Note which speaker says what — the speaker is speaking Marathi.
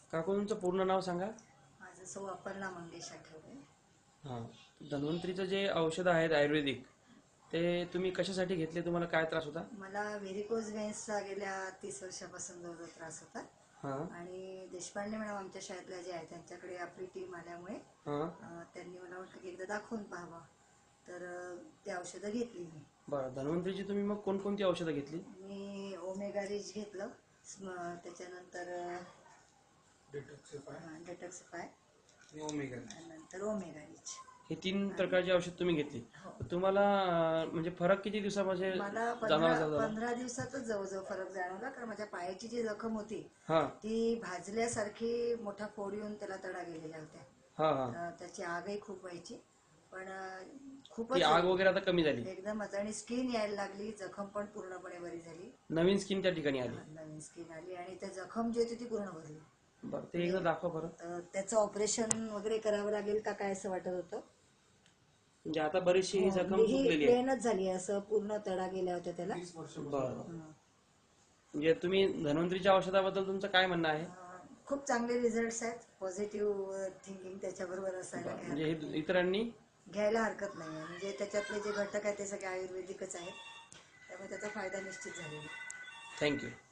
Speaker 1: काकू तुमचं पूर्ण नाव सांगा.
Speaker 2: माझं सौ अपर्णा मंगेश आठवले.
Speaker 1: हां, धन्वंतरीचं जे औषधं आहेत आयुर्वेदिक ते तुम्ही कशासाठी घेतले? तुम्हाला काय त्रास होता?
Speaker 2: मला व्हेरिकोज व्हेन्सचा गेल्या 30 वर्षापासून जवळ त्रास होता.
Speaker 1: हां
Speaker 2: आणि देशपांडे मॅडम आमच्या शाळेतल्या जे आहे त्यांच्याकडे आपली टीम आल्यामुळे
Speaker 1: हां
Speaker 2: त्यांनी मला वाटलं की एकदा दाखवून पाहावं, तर ते औषधं घेतली मी.
Speaker 1: बरं, धन्वंतरीची तुम्ही मग कोणकोणती औषधं घेतली?
Speaker 2: मी ओमेगा रिच घेतलं, त्याच्यानंतर डेटॉक्सिफाय नंतर ओमेगा रिच,
Speaker 1: हे 3 प्रकारची औषध तुम्ही घेतली.
Speaker 2: हो.
Speaker 1: तुम्हाला म्हणजे फरक किती दिवसामध्ये
Speaker 2: मला
Speaker 1: जाणवला?
Speaker 2: 15 दिवसातच जवळजवळ फरक जाणवला, कारण माझ्या पायाची जी जखम होती
Speaker 1: हां
Speaker 2: ती भाजल्यासारखी मोठा फोड येऊन त्याला तडा गेलेल्या होत्या.
Speaker 1: हां हां
Speaker 2: त्याची आगही खूप व्हायची, पण
Speaker 1: ती
Speaker 2: खूपच
Speaker 1: आग वगैरे आता कमी झाली,
Speaker 2: एकदमच. आणि स्किन यायला लागली, जखम पण पूर्णपणे बरी झाली,
Speaker 1: नवीन स्किन त्या ठिकाणी आली.
Speaker 2: नवीन स्किन आली आणि त्या जखम जी होती ती पूर्ण भरली.
Speaker 1: बरं, ते एकदा दाखवा बरं.
Speaker 2: तर त्याचं ऑपरेशन वगैरे करावं लागेल का काय असं वाटत होतं.
Speaker 1: म्हणजे आता बरीचशी ही जखम
Speaker 2: ही
Speaker 1: सुटलेली आहे.
Speaker 2: प्लेनच झाली, असं पूर्ण तडा गेल्या होत्या त्याला.
Speaker 1: बरं, म्हणजे तुम्ही धन्वंतरीच्या औषधाबद्दल तुमचं काय म्हणणं आहे?
Speaker 2: खूप चांगले रिझल्ट्स आहेत. पॉझिटिव्ह थिंकिंग त्याच्याबरोबर असायला काही
Speaker 1: म्हणजे
Speaker 2: हरकत
Speaker 1: हे
Speaker 2: नाही.
Speaker 1: इतरांनी
Speaker 2: घ्यायला हरकत नाही. म्हणजे त्याच्यातले जे घटक आहेत ते सगळे आयुर्वेदिकच आहेत, त्यामुळे त्याचा फायदा निश्चित झालेला आहे.
Speaker 1: थँक्यू.